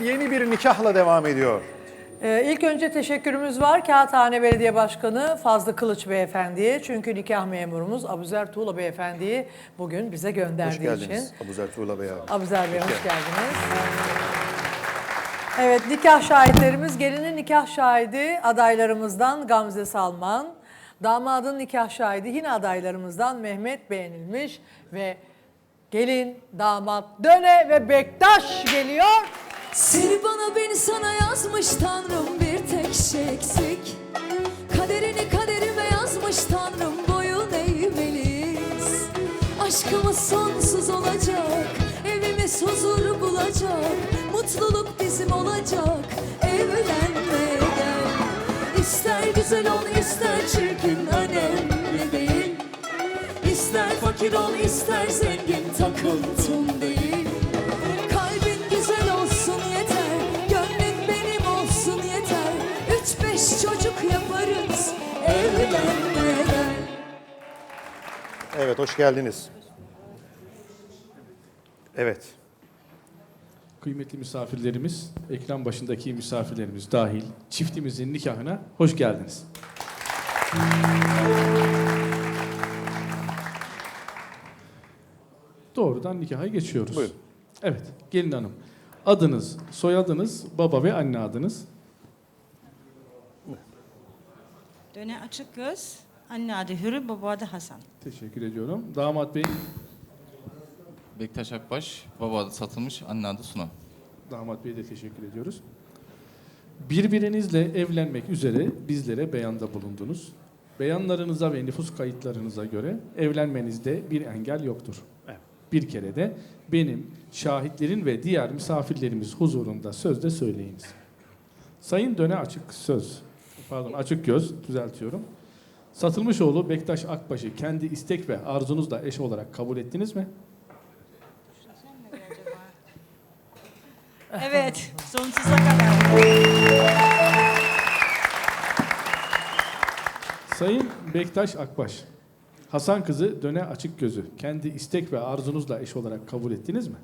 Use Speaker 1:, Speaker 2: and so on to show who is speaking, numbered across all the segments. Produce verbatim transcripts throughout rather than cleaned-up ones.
Speaker 1: Yeni bir nikahla devam ediyor.
Speaker 2: Ee, ilk önce teşekkürümüz var Kağıthane Belediye Başkanı Fazlı Kılıç Beyefendi'ye. Çünkü nikah memurumuz Abuzer Tuğla Beyefendi'yi bugün bize gönderdiği
Speaker 1: Hoş
Speaker 2: için.
Speaker 1: geldiniz Abuzer Tuğla Bey abi.
Speaker 2: Abuzer Bey hoş, hoş geldiniz. Evet, nikah şahitlerimiz, gelinin nikah şahidi adaylarımızdan Gamze Salman, damadın nikah şahidi yine adaylarımızdan Mehmet Beğenilmiş ve gelin, damat, Döne ve Bektaş geliyor.
Speaker 3: Seni bana beni sana yazmış Tanrım, bir tek şey eksik. Kaderini kaderime yazmış Tanrım, boyun eğmeliyiz. Aşkımız sonsuz olacak, evimiz huzur bulacak. Mutluluk bizim olacak, evlenmeye gel. İster güzel ol ister çirkin önemli değil. İster fakir ol ister zengin takıntım değil. Kalbin güzel olsun yeter, gönlün benim olsun yeter. Üç beş çocuk yaparız, evlenmeye gel.
Speaker 1: Evet, hoş geldiniz. Evet.
Speaker 4: Kıymetli misafirlerimiz, ekran başındaki misafirlerimiz dahil çiftimizin nikahına hoş geldiniz. Doğrudan nikaha geçiyoruz.
Speaker 1: Buyurun.
Speaker 4: Evet, gelin hanım. Adınız, soyadınız, baba ve anne adınız.
Speaker 5: Döne Açıkgöz, anne adı Hürü, baba adı Hasan.
Speaker 4: Teşekkür ediyorum. Damat bey.
Speaker 6: Bektaş Akbaş, baba adı Satılmış, anne adı Suna.
Speaker 4: Damat bey'e de teşekkür ediyoruz. Birbirinizle evlenmek üzere bizlere beyanda bulundunuz. Beyanlarınıza ve nüfus kayıtlarınıza göre evlenmenizde bir engel yoktur.
Speaker 1: Evet.
Speaker 4: Bir kere de benim, şahitlerin ve diğer misafirlerimiz huzurunda sözde söyleyiniz. Sayın Döne Açık Söz, pardon Açık Göz düzeltiyorum. Satılmışoğlu Bektaş Akbaş'ı kendi istek ve arzunuzla eş olarak kabul ettiniz mi?
Speaker 5: Evet, sonsuza kadar.
Speaker 4: Sayın Bektaş Akbaş, Hasan kızı Döne Açık Gözü kendi istek ve arzunuzla eş olarak kabul ettiniz mi?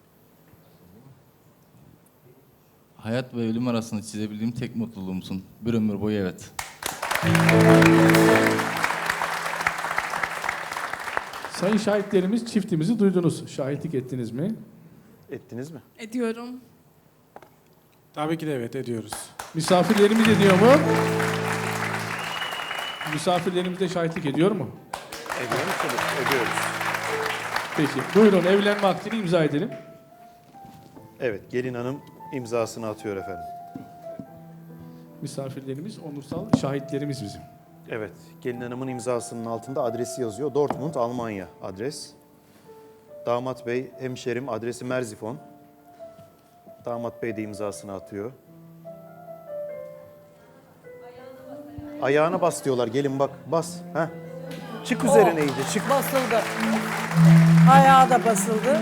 Speaker 6: Hayat ve ölüm arasında çizebildiğim tek mutluluğumsun. Bir ömür boyu evet.
Speaker 4: Sayın şahitlerimiz çiftimizi duydunuz. Şahitlik ettiniz mi?
Speaker 1: Ettiniz mi?
Speaker 7: Ediyorum.
Speaker 8: Tabii ki de evet ediyoruz.
Speaker 4: Misafirlerimiz ediyor mu? Misafirlerimiz de şahitlik ediyor mu?
Speaker 1: Ediyor musunuz? Ediyoruz.
Speaker 4: Peki. Buyurun evlenme akdini imza edelim.
Speaker 1: Evet, gelin hanım imzasını atıyor efendim.
Speaker 4: Misafirlerimiz onursal şahitlerimiz bizim.
Speaker 1: Evet, gelin hanımın imzasının altında adresi yazıyor. Dortmund, Almanya adres. Damat bey, hemşerim, adresi Merzifon. Damat bey de imzasını atıyor. Ayağına bas diyorlar. Gelin bak, bas. Heh. Çık üzerine iyice, çık.
Speaker 2: Basıldı. Ayağı da basıldı.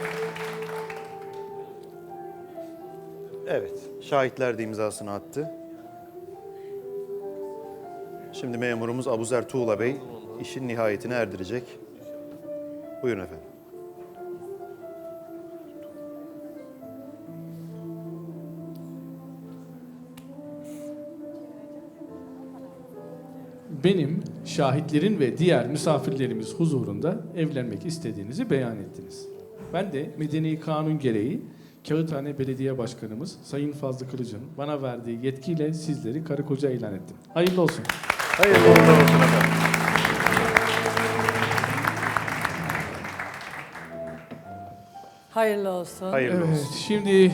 Speaker 1: Evet, şahitler de imzasını attı. Şimdi memurumuz Abuzer Tuğla Bey işin nihayetine erdirecek. Buyurun efendim.
Speaker 4: Benim, şahitlerin ve diğer misafirlerimiz huzurunda evlenmek istediğinizi beyan ettiniz. Ben de medeni kanun gereği Kağıthane Belediye Başkanımız Sayın Fazlı Kılıç'ın bana verdiği yetkiyle sizleri karı koca ilan ettim. Hayırlı olsun.
Speaker 1: Hayırlı uğurlu olsun efendim.
Speaker 2: Hayırlı olsun.
Speaker 1: Hayırlı olsun.
Speaker 4: Evet, şimdi